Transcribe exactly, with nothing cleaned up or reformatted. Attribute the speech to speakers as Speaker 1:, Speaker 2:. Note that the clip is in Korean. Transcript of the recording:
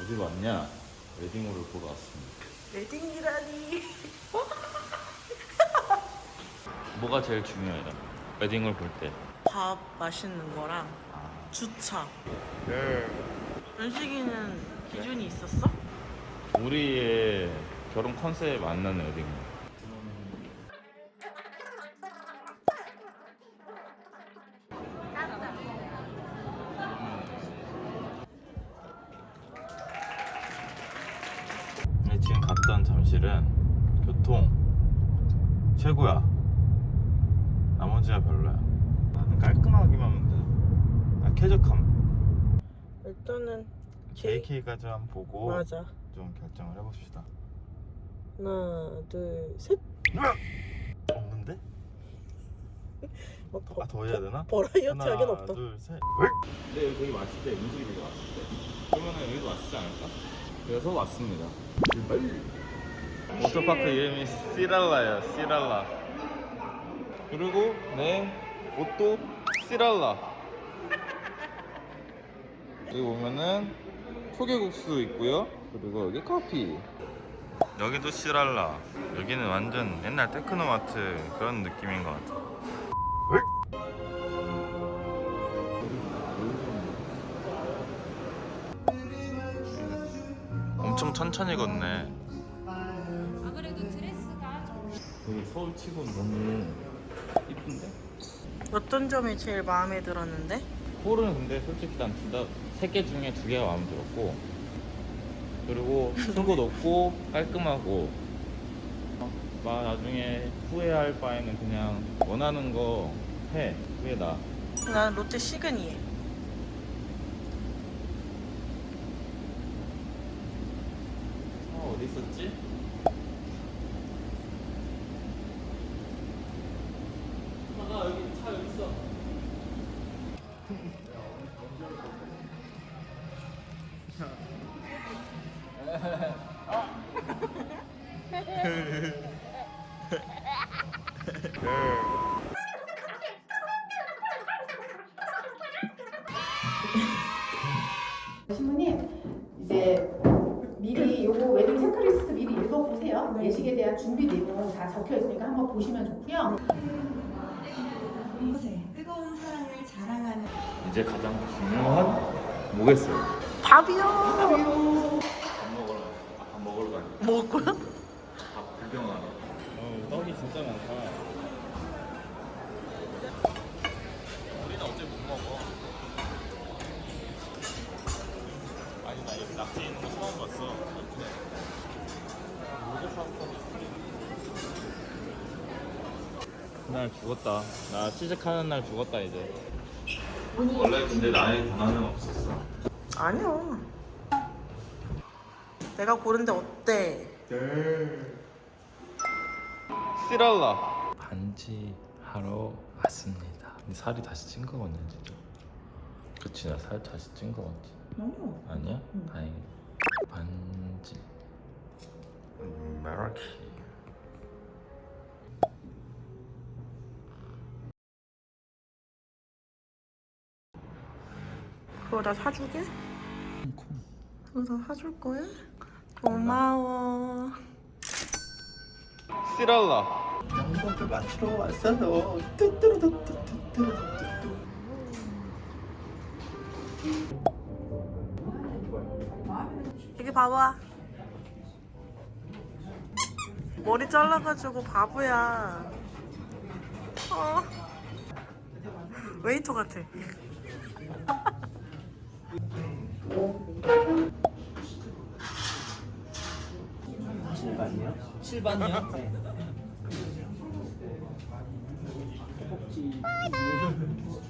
Speaker 1: 어디 왔냐? 웨딩홀을 보러 왔습니다.
Speaker 2: 웨딩이라니.
Speaker 1: 뭐가 제일 중요해요? 웨딩홀 볼 때.
Speaker 2: 밥 맛있는 거랑 주차.
Speaker 1: 네.
Speaker 2: 연식이는 기준이 있었어?
Speaker 1: 우리의 결혼 컨셉에 맞는 웨딩홀. 네, 지금 갔던 잠실은 교통 최고야. 나머지가 별로야. 나는 깔끔하기만 하면 돼. 아, 쾌적함.
Speaker 2: 일단은
Speaker 1: 제이케이까지 한번 보고
Speaker 2: 맞아.
Speaker 1: 좀 결정을 해봅시다.
Speaker 2: 하나, 둘, 셋.
Speaker 1: 없는데?
Speaker 2: 어,
Speaker 1: 아, 더 해야 되나?
Speaker 2: 버라이어티
Speaker 1: 하나,
Speaker 2: 하긴 없다.
Speaker 1: 둘, 셋. 근데 여기 되게 맛있대. 음식이 되게 맛있대. 그러면은 여기도 맛있지 않을까? 그래서 왔습니다. 워터파크 이름이 시랄라야. 시랄라. 그리고 내 옷도 시랄라. 여기 보면은 초계국수 있고요. 그리고 여기 커피. 여기도 시랄라. 여기는 완전 옛날 테크노마트 그런 느낌인 것 같아. 엄청 천천히 걷네.
Speaker 3: 아 그래도 드레스가 좀
Speaker 1: 여기 서울 치고 너무 이쁜데?
Speaker 2: 어떤 점이 제일 마음에 들었는데?
Speaker 1: 홀은 근데 솔직히 난 세 개 중에 두 개가 마음에 들었고, 그리고 술도 높고 깔끔하고, 막 나중에 후회할 바에는 그냥 원하는 거 해. 그게 나.
Speaker 2: 난 롯데 시그니에.
Speaker 1: 어, 어디 있었지? 아, 여기 차 여기 있어.
Speaker 4: 신부님 이제 미리 요거 웨딩 체크리스트 미리 읽어보세요. 예식에 대한 준비 내용 다 적혀 있으니까 한번 보시면 좋고요.
Speaker 5: 뜨거운 사랑을 자랑하는
Speaker 1: 이제 가장 중요한 뭐겠어요?
Speaker 2: 밥이요.
Speaker 1: 밥 먹으러 아, 밥 먹으러 가니.
Speaker 2: 먹을 거야?
Speaker 1: 밥 구경하러. 어, 떡이 진짜 많다. 우리는 어제 못 먹어. 아니 나 여기 낙지 있는 거 처음 봤어. 날 죽었다. 나 취직하는 날 죽었다 이제. 원래 근데 나의 권한은 없었어.
Speaker 2: 아니요. 내가 고른데 어때?
Speaker 1: 시랄라. 반지 하러 왔습니다. 근데 살이 다시 찐 거거든 진짜. 그치, 나 살 다시 찐 거 같지?
Speaker 2: 아니요.
Speaker 1: 아니야? 다행이다. 반지 음, 메라키.
Speaker 2: 그거 나 사주게? 그거 다 사줄 거야? 고마워.
Speaker 1: 시랄라.
Speaker 6: 영상을 맞추러 왔어요. 뚜뚜루뚜뚜뚜뚜뚜뚜.
Speaker 2: 여기 봐봐. 머리 잘라가지고 바보야. 어. 웨이터 같아.
Speaker 6: 칠반이요?
Speaker 5: 칠반이요?
Speaker 6: 네. 허벅지.